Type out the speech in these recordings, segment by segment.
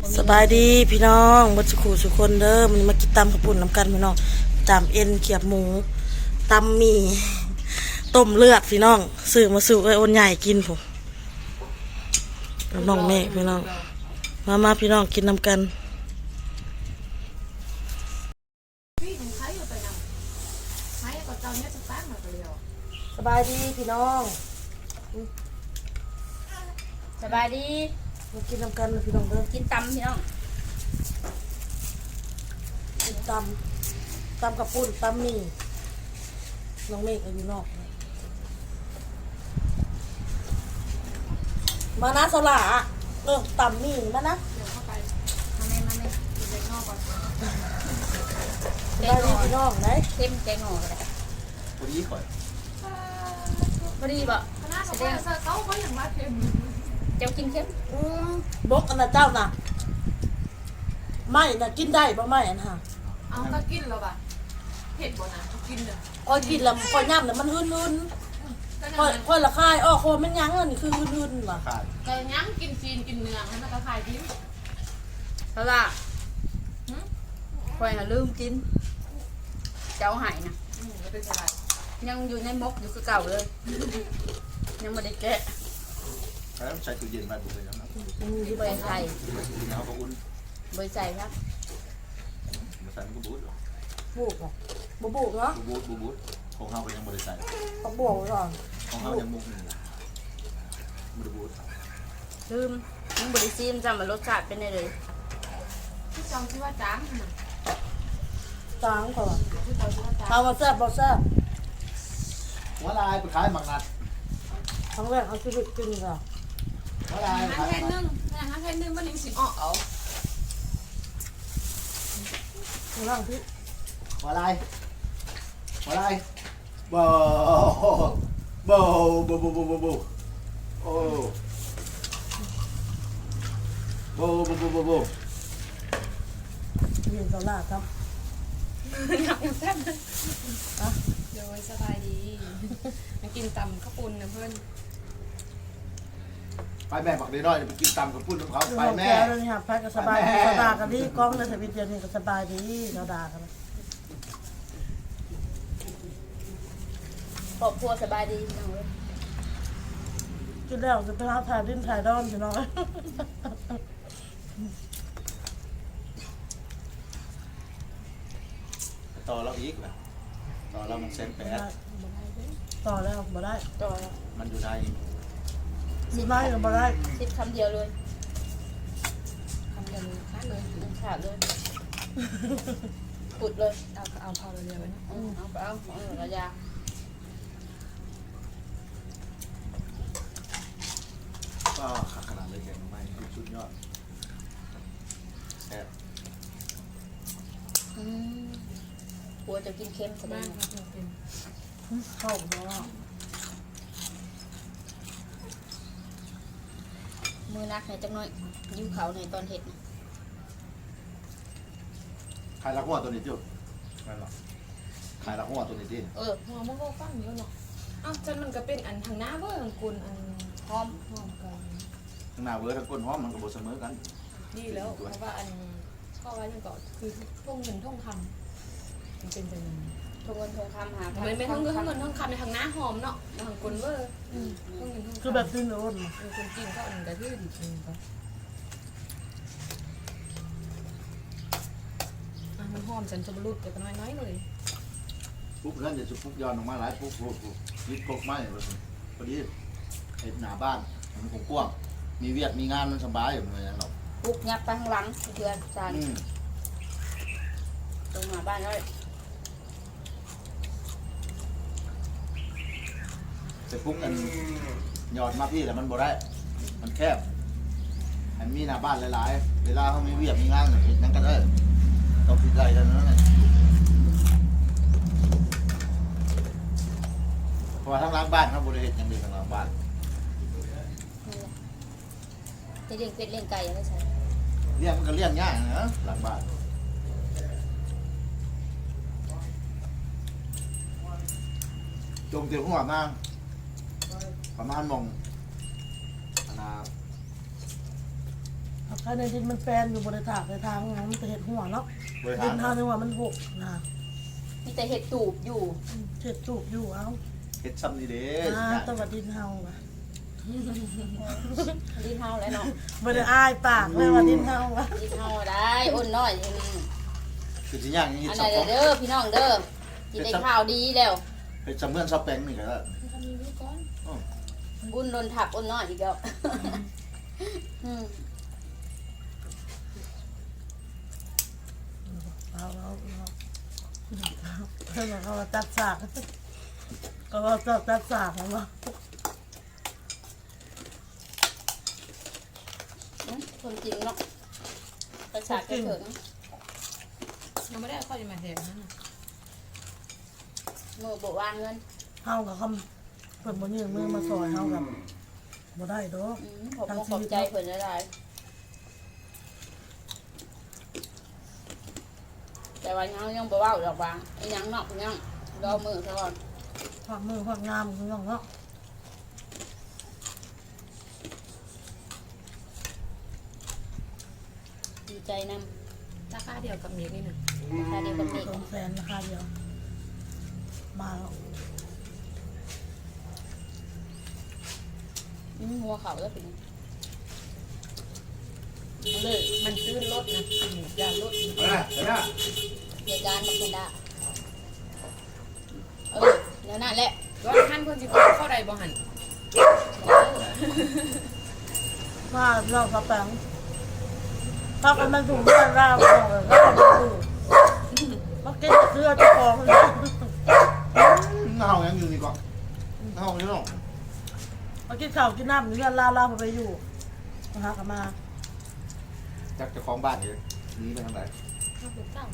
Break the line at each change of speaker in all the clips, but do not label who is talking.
สบายดีพี่น้องบัดสุขุสุคนเด้อมันมากินตำข้าวปุ้นน้ำกันพี่น้องตำเอ็นเขียบหมูตำหมี่ต้มเลือดพี่น้องซื้อมาสู่ไอ้อ้นใหญ่กินผมน้องเมฆพี่น้องมาพี่น้องกินน้ำกันสบายดีพี่น้อง
สบายดี
มากินน้ำกันพี่น้องเด้อ
กินตำพี่น้อง
กินตำข้าวปุ้นตำหมี่น้องเมฆอยู่นอกมานะสละตำหมี่มานะ
เดี๋ยวเข้าไปมากินแกงนอกก่อน
ได้ดีพี่น้องไหน
เข้มแกงนอกเลย
พอดีก่อน
พอดีบ่
แสดงเขาอย่างว่าเค็ม
เจ้ากินเข้ม
บกอันน่ะเจ้าน่ะไม่น่ะกินได้บ่ไม่อันห่ะ
เอาก็กินแล้วป่ะเผ็ดบ่นะกินเลย
คอยกินแล้วคอยย่ำแล้วมันหืนคอยละคายโคมันยั้งอันนี้คือหืนว่ะ
ขาด
แต่ยั้งกินซีนกินเนื้อให้มันก็คายทิ้ง
เพราะว่าคอยลืมกินเจ้าหายนะ
ไม่เป็นไร
ยังอยู่ในมกอยู่คือเก่าเลยยังไม่ได้แกะ
แล้วใช้ตู้เย็นไปบุกเลยนะครับ
ใบใส่
แล้วก็อุ่น
ใบใส่ครับ
มาใส่มันก็บูด
บุกอ่ะบ่บุกเนาะ
บูดของเราก็ยังบริใส่
ต้องบวกก่อน
ของเรายังมุกหนึ่งบริบูด
ลืมยังบริซีมจำว่ารสชาติเป็นไงเลย
ที่จองที่ว่าจ้างน่ะ
จางก่อน
ที่จองที่ว่าจ้าง
เอามาแซ่บบ่แซ่บ
หัวลายไปขายหมักนัด
ครั้งแรกเอาชีวิตกินก่อน
หัวลาย
ห้าแค่นึ่งห้าแค่นึ่งมันยังสิออกเอา
ข้างล่างพี่
หัวลายบ่โอ้โบ่
ยืนตลาดครับ
โดยสบายดีมากินตำข้าวปุ้นนะเพื่อน
ไปแม่บักน้อยไปกินตำกับปุ้นของเขา
คือ
ไป
ห้อง
แม่
แก้วเลยครับพักก็สบายดีสบายกันดีกล้องในสวิตเดียวนี่ก็สบายดีเราด่ากัน
ครอบครัวสบายดีพี่น้องเลย
กินแล้วจะไปหาถ่ายดิ้นถ่ายดอนพี่น้อง
ต่อเราอีกนะต่อเรามันเส้นแปด
ต่อแล้วบ่ได้
ต่อ
มันอยู่ใน
สิได้ก็บ่ได้
สิบคำเดียวเลย
ทำกันเลยค้าเลย
ขาดเลยปุดเลย
เอาพอเร็วๆนะ
เอาระยะ
ก็ขาดขนาดเลยแกงไม่ชุดยอดแซ่บ
กลัวจะกินเค็มแสด
บ้าง
ง
ครับเป็น
เข้าบ่ได้
มือนักในจังน้อยยิ้วเขาในตอนเห็ดนะ
ขายละหัวตัวนี้จุ๊บไม่หรอกขายละหัวตัวนี้ดิ
หัวมันก็ฟังเยอะเนาะอ้าวจนมันก็เป็นอันทางหน้าเว้ยของคุณอันหอมกัน
ข้างหน้าเวอร์ทั้งก้นหอมมันก็บเสมอกัน
ดีแล้วเพราะว่าอันข้อไว้ยังก่อนคือท่องเงินท่องคำมันเป็นจัง
ทงเงินทงคำหา
มันไม่ท่องเงินท่องเงินท่องคำในทางหน้าหอมเนาะทางคุณเว้ยท่องเงินท่อง
คือ
คำ
แบบตื้นโอน
คนกินก็อันกระทืบจริงปะมันหอมฉันจะบรรลุแต่ก็น้อยๆเลย
ปุ๊บแล้วจะปุ๊บย้อนออกมาหลายปุ๊บยิบกบไม้พอดีไอ้หน้าบ้านมันคงกว้างมีเวียดมีงานมันสบายอยู่เลยเรา
ปุกยับไปข้างหลังเพื่อนจานตรงมาบ้านเลย
แต่ปุ๊บกันหยอดมาพี่แต่มันบ่ได้มันแคบอันมีหน้าบ้านหลายๆเวลาเขามีเวียดมีงานเห็นนั่นก็ได้ต้องพิจารณาเท่านั้นแหละเพราะว่าทั้งหล้างบ้านเขาบริเหตุอย่างเดียวทั้งหล้างบ้าน
จะเลี้ยงเป็ดเลี้ยงไก่อะไรใช่
เลี้ยงมันก็เลี้ยงง่ายนะหลังบ้านจงเตียวหัวมากประมาณมองนา
ถ้าในดินมันแปลนอยู่บนถากในทางนะมันจะเห็ดหัวเนาะ
บริ
ดิ
หาร
นทางนึงว่ามันหกนะ
มีแต่เห็ดตูบอยู่
เห็ดจูบอยู่เอา
เฮ็ดซ้ำนี่เด้
ตะวัดดินเฮาว่ะ
ดินเฮาแล้วเนาะ
บ่ได้อ้ายปากเลยว่าดินเฮาว่ะ
ดินเฮาได้อ้นน้อย
คือสิย่างนี้
อัน
สั
ไหน
บ
เด้อพี่น้องเด้อกินได้ข้าวดีแล้ว
เฮ็ดซ้ำเมื่อนซับแป้งนี่ก็ได้
ทำนี้ไว้ก่อน
บุญโดนถักอ้นน้อยอีกแล้วอืม
เอาเพิ่นเขาว่าตัดสากก็ว่าตัดสากของว่า
คนจริงเนาะประชาชนเถิง
ยังไม่ได้เอาข้าวจะมาแทนนั่นน่ะ
มือโบวางเงิน
เฮากับคำเพิ่นบ่ยืมมือมาซอยเฮากับบ่ได้ดอก
ผมก็ขอบใจเพิ่นหลายแต่ว่ายังบ่เว้าดอกว่าไอ้ยังเนาะยังรอมือซะก่อน
ความมือความงามของน้องเนาะ
ดีใจน
ราคาเดียวกับเมียนี่หนึ่ง
ำราคาเดียวกับเมฆ
200,000ราคาเดียวมาแล้ว
หัวเขาแล้วเป็นเลย
มันตื้นรถนะยาลด
เหตุการณ์มันเป็นได้เดี๋ยวนั่นแหละ
ว่าท่านคนสิเข้าใดบ่หัน
มาเรากระแปงถ้ากันมันถูกเรื่องราวของเราถูกมากินเสื้อเจ้าของเลย
เฮายังอยู่นี่ก่อนเฮาอยู่เนาะ
มากินข้าวกินน้ำเรื่องราวไปอยู่มาหากลับมา
จักเจ้าของบ้านนี่หนีไปทางไหน
ข้าวปลูกเต้า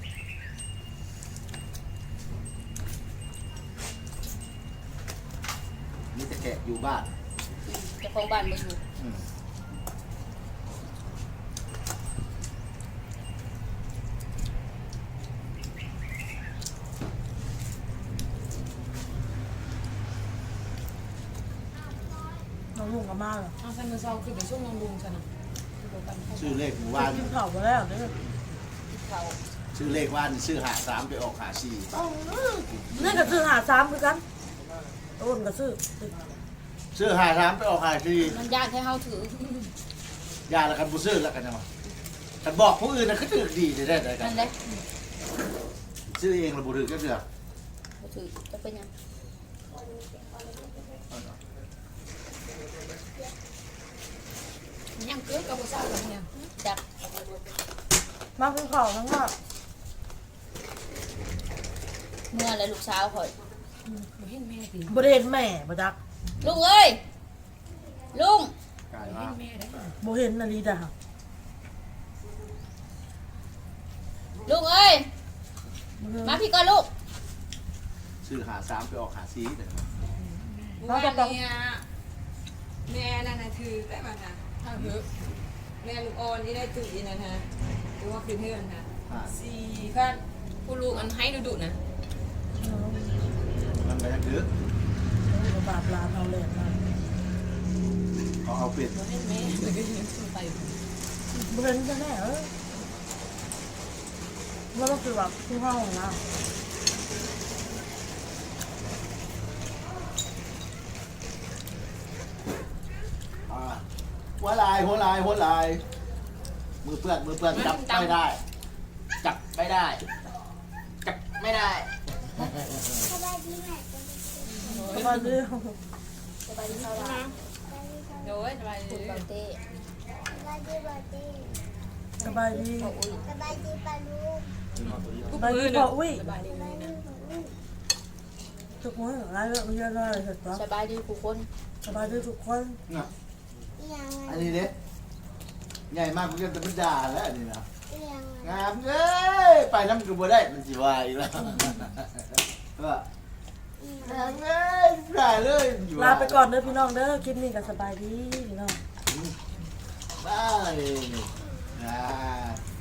มีแต่แกะอยู่บ้าน
เจ้าของบ้านมาอยู่
อืม
น้องลุงกลับมาเหรอ
เอาใส่มือเซาคือเป็นช่วงลงลุงฉันนะ
ชื่อเลขหมู่บ้าน
กินข้าวมาแล้วเนี่ย
เขา
ชื่อเลขบ้านชื่อหาสามไปออกหาสี่
นี่ก็ซื้อหาซ้ำคือกันต้นก็ซื้อ
ชื่อหาสามไปออกหาสี่
มันยากให้เฮาถือย
าละกันบุซื้อละกันจังวะกันบอกผู้อื่นนะคือถือดีได้ได้กั
นั่
น
นแหละ
ชื่อเองเราบุถือก็เถือ
บ่ถือจะเป็นยัง
ยังเกิดกับผู้สาวกับเนี่ย
จับ
มากินข้าวทั้งว่า
เมื่อแล้วลูกสาวข่อย
บ่เห็นแม่ติ
บริเห็นแม่บ่จัก
ลุงเอ้ยลุง
กลาย
บ่
ว่า
เห็นแม่ได้
บ่เห็นนาฬิกา
ลุงเอ้ยมาพี่ก่อนลูก
ชื่อหาสามไปออกหาสี่เดี๋ยว
ว่าเนี่ยแม่นั่นนะถือได้มาค่ะถ้าเหือแม่ลูกอ่อนนี่ได้ตื่นนะฮะหรือว่าคือเพื่อนค่ะ
อ่า
4,000
ผู้ลูกอันให้ดุๆนะ
มันไปทางถือบ
าปลาเอาเลยมา
เขาเอาเปลี่ยน
บ่เห็นแม่เลยก็ยังไป
บ่เห็นจะแน่ว่าต้องคือแบบที่ห้องนะ
อ่าหัวลายมือเปื้อนจับไม่ได้ จับไม่ได้ จับไม่ได้
สบายดี
สบายดีเท่าไหร่
โดยสบาย
คุณ
ดี
เบาเต้
สบายดี
พ่ออุ้ย
สบายดีพออุ้ย
สบายดีนะ
ทุกคนอะไรเรื่องเยอะเลยเสร็จแล้ว
สบายดีผู้คน
สบายดีทุกคน
น่ะอันนี้เด้ใหญ่มากกูจะเป็นด่าแล้วอันนี้นะงามเอ้ยไปน้ำกูบ่ได้มันสิวายอีกแล้วว่างามเอ้ยได้เลยอยู่
ลาไปก่อนเด้อพี่น้องเด้อคลิปนี้ก็สบายดีพี่น้อง
ได้อ่า